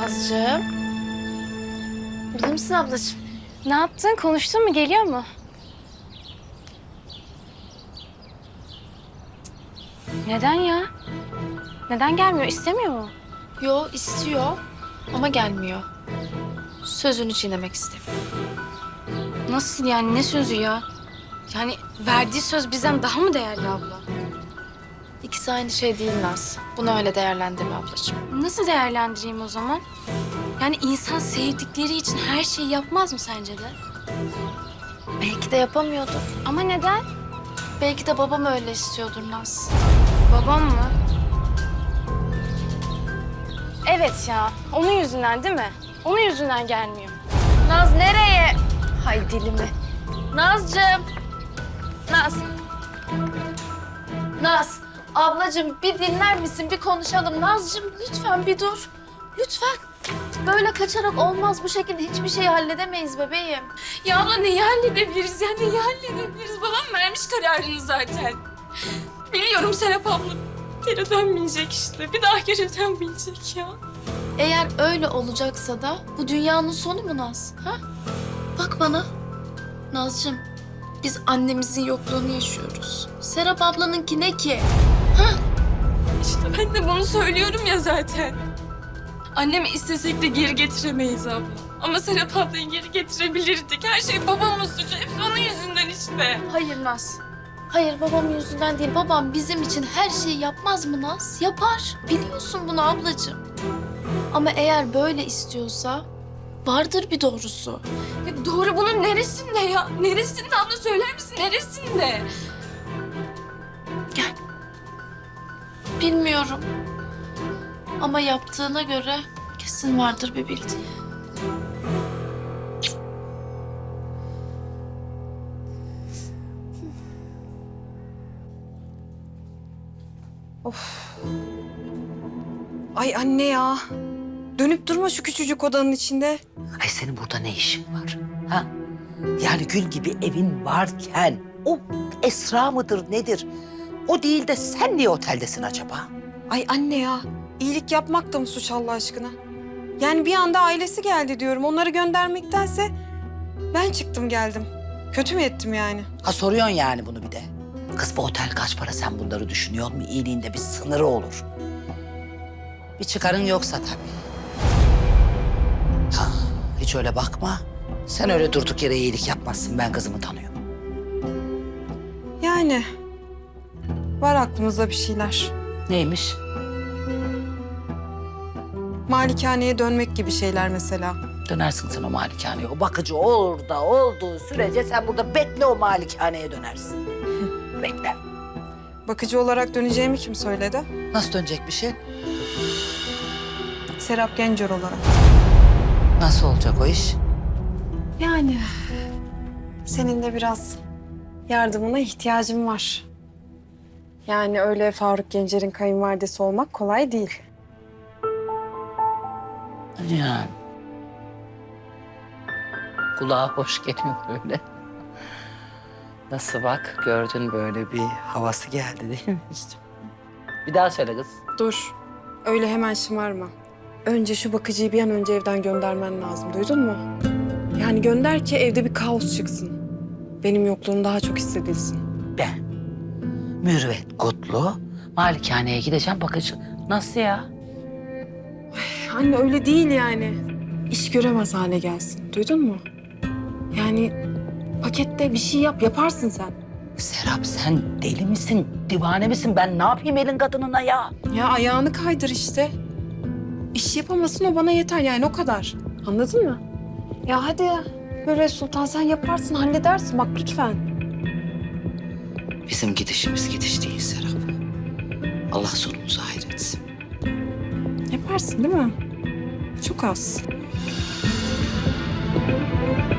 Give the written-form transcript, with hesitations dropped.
Nazcığım. Burada mısın ablacığım? Ne yaptın? Konuştun mu? Geliyor mu? Neden ya? Neden gelmiyor? İstemiyor mu? Yo, istiyor ama gelmiyor. Sözünü çiğnemek istemiyor. Nasıl yani? Ne sözü ya? Yani verdiği söz bizden daha mı değerli abla? İkisi aynı şey değil Naz. Bunu öyle değerlendirme ablacığım. Nasıl değerlendireyim o zaman? Yani insan sevdikleri için her şeyi yapmaz mı sence de? Belki de yapamıyordur. Ama neden? Belki de babam öyle istiyordur Naz. Babam mı? Evet ya. Onun yüzünden değil mi? Onun yüzünden gelmiyor. Naz nereye? Hay dilimi. Nazcığım. Naz. Naz. Ablacığım bir dinler misin? Bir konuşalım. Nazcığım lütfen bir dur. Lütfen. Böyle kaçarak olmaz. Bu şekilde hiçbir şeyi halledemeyiz bebeğim. Ya abla neyi halledebiliriz ya? Neyi halledebiliriz? Babam vermiş kararını zaten. Biliyorum Serap abla. Geri dönmeyecek işte. Bir daha geri dönmeyecek ya. Eğer öyle olacaksa da bu dünyanın sonu mu Naz? Ha? Bak bana. Nazcığım, biz annemizin yokluğunu yaşıyoruz. Serap ablanınki ne ki? İşte ben de bunu söylüyorum ya zaten. Annemi istesek de geri getiremeyiz abla. Ama Serap ablayı geri getirebilirdik. Her şey babamın suçu. Hepsi onun yüzünden işte. Hayır Naz. Hayır babam yüzünden değil. Babam bizim için her şeyi yapmaz mı Naz? Yapar. Biliyorsun bunu ablacığım. Ama eğer böyle istiyorsa vardır bir doğrusu. Ya doğru bunun neresinde ya? Neresinde abla söyler misin? Neresinde? Bilmiyorum. Ama yaptığına göre kesin vardır bir bildiği. Ay anne ya. Dönüp durma şu küçücük odanın içinde. Ay senin burada ne işin var? Ha? Yani gül gibi evin varken o Esra mıdır nedir? O değil de sen niye oteldesin acaba? Ay anne ya. İyilik yapmak da mı suç Allah aşkına? Yani bir anda ailesi geldi diyorum. Onları göndermektense ben çıktım geldim. Kötü mü ettim yani? Ha soruyorsun yani bunu bir de. Kız bu otel kaç para sen bunları düşünüyor musun? İyiliğinde bir sınırı olur. Bir çıkarın yoksa tabii. Ha, hiç öyle bakma. Sen öyle durduk yere iyilik yapmazsın. Ben kızımı tanıyorum. Yani var aklımızda bir şeyler. Neymiş? Malikaneye dönmek gibi şeyler mesela. Dönersin sen o malikaneye. O bakıcı orada olduğu sürece sen burada bekle o malikaneye dönersin. Bekle. Bakıcı olarak döneceğimi kim söyledi? Nasıl dönecek bir şey? Serap Gencer olarak. Nasıl olacak o iş? Yani senin de biraz yardımına ihtiyacım var. Yani öyle Faruk Gencer'in kayınvalidesi olmak kolay değil. Yani. Kulağa hoş geliyor böyle. Nasıl bak gördün böyle bir havası geldi değil mi? İşte. Bir daha söyle kız. Dur, öyle hemen şımarma. Önce şu bakıcıyı bir an önce evden göndermen lazım, duydun mu? Yani gönder ki evde bir kaos çıksın. Benim yokluğum daha çok hissedilsin. Ben Mürüvvet Kutlu malikaneye gideceğim bakıcı. Nasıl ya? Anne öyle değil yani. İş göremez hale gelsin, duydun mu? Yani pakette bir şey yap, yaparsın sen. Serap sen deli misin? Divane misin? Ben ne yapayım elin kadınına ya? Ya ayağını kaydır işte. İş yapamasın o bana yeter yani o kadar. Anladın mı? Ya hadi böyle Sultan sen yaparsın, halledersin bak lütfen. Bizim gidişimiz gidiş değil Serap. Allah sonumuzu hayretsin. Yaparsın değil mi? Çok az.